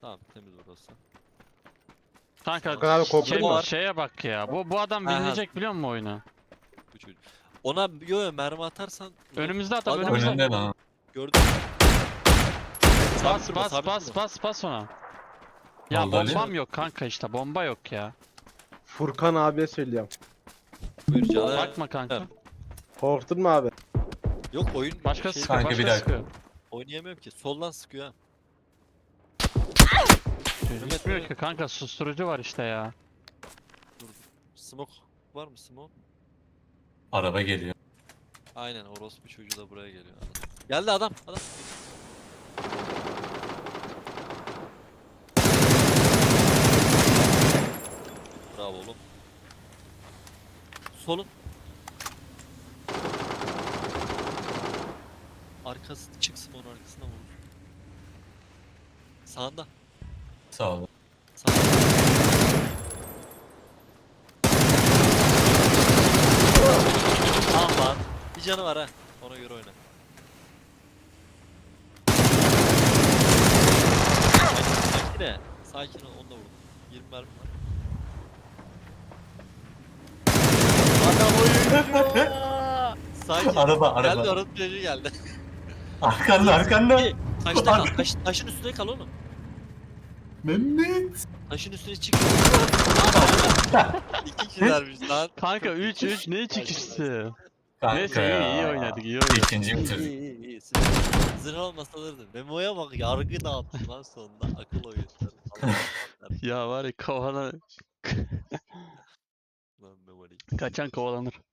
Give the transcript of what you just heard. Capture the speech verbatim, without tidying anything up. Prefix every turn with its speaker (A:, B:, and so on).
A: Tamam temiz burası.
B: Kanka
C: Hakan abi koptu
B: şey,
C: mu?
B: şeye bak ya. Bu bu adam
A: Ha, ha.
B: bilinecek biliyor musun oyunu?
A: Bu çocuk. Ona yo yo mermi atarsan
B: Önümüzde adam,
A: Adam-
B: önümüzde.
D: Önünde lan.
A: gördün mü?
B: Bas
A: Sabit durma,
B: bas
A: sabit
B: bas
A: durma.
B: bas bas ona. Ya
D: Oldu Ali.
B: bombam yok kanka işte. Bomba yok ya.
C: Furkan abiye söylüyorum.
A: Buyur canım.
B: Bakma kanka.
A: Evet.
C: Korktun mu abi?
A: Yok oyun
B: Başka
A: şey,
B: sıkıyor,
D: Kanka, bir
B: başka
D: dakika.
B: sıkıyor.
A: oynayamıyorum ki. Soldan sıkıyor ha.
B: Gözükmüyor ki kanka, susturucu var işte ya.
A: Smoke var mı smoke?
D: Araba geliyor.
A: Aynen orospu çocuğu da buraya geliyor. Geldi adam. Adam. Bravo oğlum. Solun. Arkası çıksın onun arkasına vurur. Sağında.
D: Sağ ol.
A: Sağında. Ah lan. Bir canı var ha. Ona göre oyna. Sakin he. Sakin ol. Onu da vurdum. yirmi mermi var. Adam oynuyor. Sakin.
D: Araba, araba.
A: Geldi araba çocuğu geldi.
D: Arkanda arkanda.
A: İyi, Taşta kal. Taş, taşın üstüne kal oğlum.
D: Mehmet.
A: Taşın üstüne çık. İki kişilermiş lan.
B: Kanka üç üç ne iki kişisi?
D: Kanka
B: Neyse iyi
D: ya.
B: iyi oynadık, iyi oynadık.
D: İkinci
A: İyi
D: bitirdik.
A: iyi iyi. Zırh olmasa alırdım. Memo'ya bak yargı dağıttı lan sonunda. Akıl oyunları. Allah
B: Ya var ya, kovala
A: lan Memoli.
B: kaçan kovalanır.